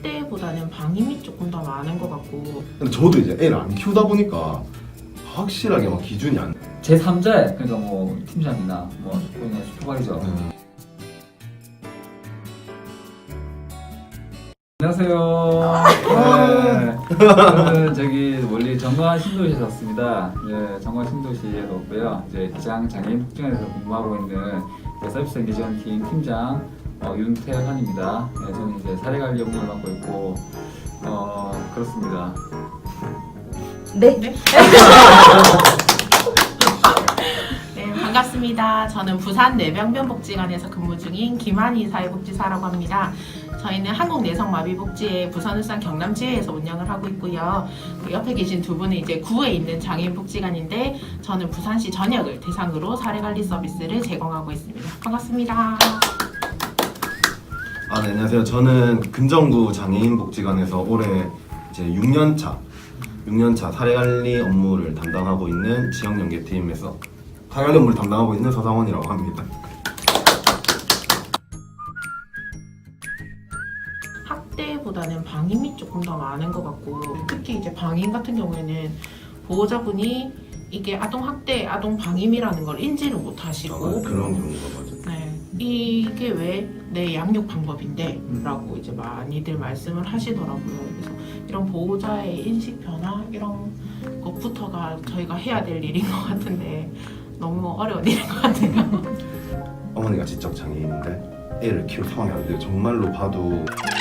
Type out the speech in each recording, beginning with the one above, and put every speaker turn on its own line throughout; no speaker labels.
학대보다는 방임이 조금 더 많은 것 같고.
근데 저도 이제 애를 안 키우다 보니까 확실하게 막 기준이 안.
제3자의 그러니까 뭐 팀장이나 뭐 그냥 슈퍼바이저. 안녕하세요. 네, 저는 저기 멀리 정관 신도시에 왔습니다. 네, 정관 신도시에 왔고요. 이제 기장 장애인 복지관에서 근무하고 있는 서비스 연계 지원팀 팀장 윤태환입니다. 네, 저는 이제 사례 관리 업무를 맡고 있고 그렇습니다.
네. 네, 반갑습니다. 저는 부산 내병변복지관에서 근무 중인 김한희 사회복지사라고 합니다. 저희는 한국내성마비복지회 부산, 울산, 경남 지회에서 운영을 하고 있고요. 그 옆에 계신 두 분은 이제 구에 있는 장애인복지관인데 저는 부산시 전역을 대상으로 사례관리 서비스를 제공하고 있습니다. 반갑습니다.
네, 안녕하세요. 저는 금정구 장애인복지관에서 올해 이제 6년차 사례관리 업무를 담당하고 있는 지역연계팀에서 사례관리 업무를 담당하고 있는 서상원이라고 합니다.
학대보다는 방임이 조금 더 많은 것 같고, 특히 이제 방임 같은 경우에는 보호자분이 이게 아동학대, 아동방임이라는 걸 인지를 못 하시고
그런 경우가 맞아요.
네, 이게 왜 내 양육 방법인데? 라고 이제 많이들 말씀을 하시더라고요. 그래서 이런 보호자의 인식 변화 이런 것부터가 저희가 해야 될 일인 것 같은데 너무 어려운 일인 것 같아요.
어머니가 지적 장애인인데 애를 키울 상황이 안 돼요. 정말로 봐도.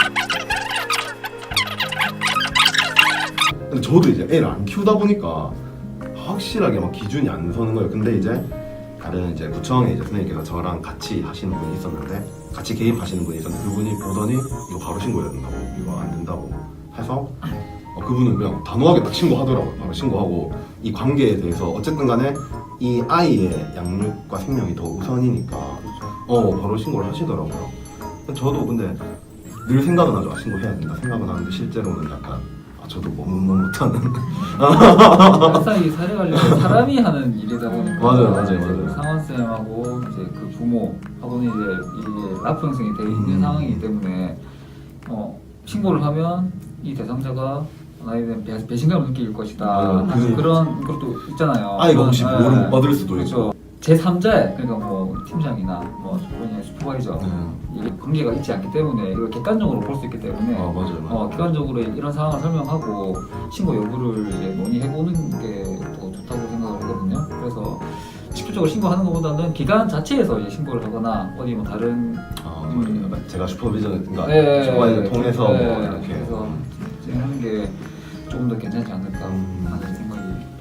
근데 저도 이제 애를 안 키우다 보니까 확실하게 막 기준이 안 서는 거예요. 근데 이제 다른 이제 구청에 이제 선생님께서 저랑 같이 하시는 분이 있었는데, 같이 개입하시는 분이 있었는데, 그분이 보더니 이거 바로 신고해야 된다고, 이거 안 된다고 해서 그분은 그냥 단호하게 딱 신고하더라고요. 바로 신고하고 이 관계에 대해서 어쨌든 간에 이 아이의 양육과 생명이 더 우선이니까 바로 신고를 하시더라고요. 저도 근데 늘 생각은 하죠. 신고해야 된다 생각은 하는데 실제로는 약간 저도 너무 못하는.
항상 이 사례 관리는 사람이 하는 일이다 보니까
맞아요.
상원 쌤하고 이제 그 부모하고는 이제 라프 형성이 되어 있는 상황이기 때문에 신고를 하면 이 대상자가 나에 대한 배신감을 느낄 것이다. 그런 것도 있잖아요.
아이가 혹시 뭐를 못 받을 수도
그렇죠.
있고.
제3자의 그러니까 뭐 팀장이나 뭐 그냥 슈퍼바이저 이게 관계가 있지 않기 때문에 이걸 객관적으로 볼 수 있기 때문에
맞아요.
객관적으로 이런 상황을 설명하고 신고 여부를 이제 논의해보는 게 더 좋다고 생각을 하거든요. 그래서 직접적으로 신고하는 것보다는 기관 자체에서 이제 신고를 하거나 어디 뭐 다른
제가 슈퍼비전인가
네,
슈퍼바이저를 통해서
네,
뭐 이렇게
그래서 진행하는 게 조금 더 괜찮지 않을까 하는 생각이.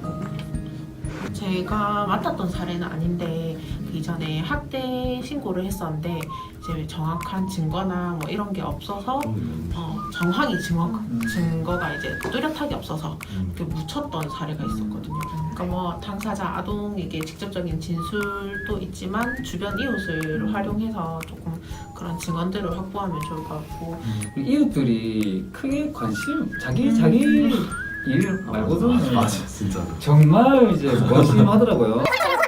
제가 맡았던 사례는 아닌데 그 이전에 학대 신고를 했었는데 이제 정확한 증거나 뭐 이런 게 없어서 정황이 증거가 이제 뚜렷하게 없어서 이렇게 묻혔던 사례가 있었거든요. 그러니까 뭐 당사자 아동에게 직접적인 진술도 있지만 주변 이웃을 활용해서 조금 그런 증언들을 확보하면 좋을 것 같고.
이웃들이 크게 자기 일 말고는
맞아 진짜.
정말 이제 무관심하더라고요.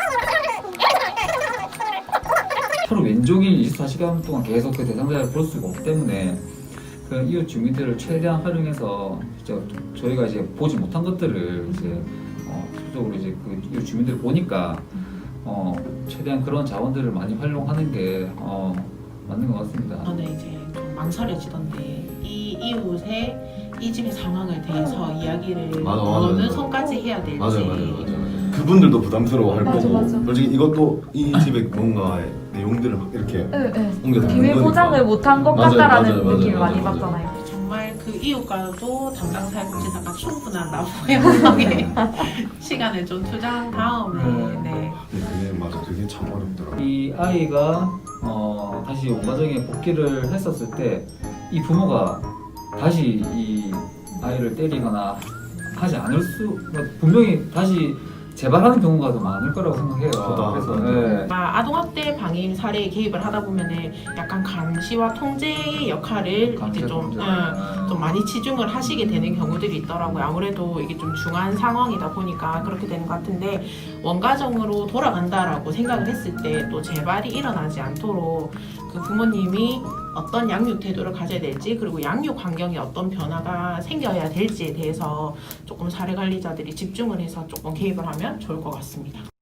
서로 왼종일 24시간 동안 계속 그 대상자를 볼 수가 없기 때문에 그 이웃 주민들을 최대한 활용해서 진짜 저희가 이제 보지 못한 것들을 이제 적극적으로 이제 그 이웃 주민들을 보니까 최대한 그런 자원들을 많이 활용하는 게 맞는 것 같습니다.
저는 이제 좀 망설여지던데 이 이웃의 이 집의 상황에 대해서 이야기를 어느 선까지 해야 될지.
맞아요. 그분들도 부담스러워할 거고.
맞아.
솔직히 이것도 이 집에 뭔가의 내용들을 막 이렇게 옮겨서
비밀 포장을 못한 것
맞아요,
같다라는
맞아요,
느낌을
맞아요,
많이
맞아요.
받잖아요.
정말 그 이웃과도 담당 사회복지사가 충분한 라보의 활동에 시간을 좀 투자한 다음에
그게 참 어렵더라고요.
이 아이가 다시 원가정에 복귀를 했었을 때 이 부모가 다시 이 아이를 때리거나 하지 않을 분명히 다시 재발하는 경우가 더 많을 거라고 생각해요. 그래서
아동학대 방임 사례에 개입을 하다 보면은 약간 감시와 통제의 역할을 이제 좀 많이 치중을 하시게 되는 경우들이 있더라고요. 아무래도 이게 좀 중한 상황이다 보니까 그렇게 되는 것 같은데, 원가정으로 돌아간다라고 생각을 했을 때 또 재발이 일어나지 않도록 그 부모님이 어떤 양육 태도를 가져야 될지 그리고 양육 환경에 어떤 변화가 생겨야 될지에 대해서 조금 사례 관리자들이 집중을 해서 조금 개입을 하면 좋을 것 같습니다.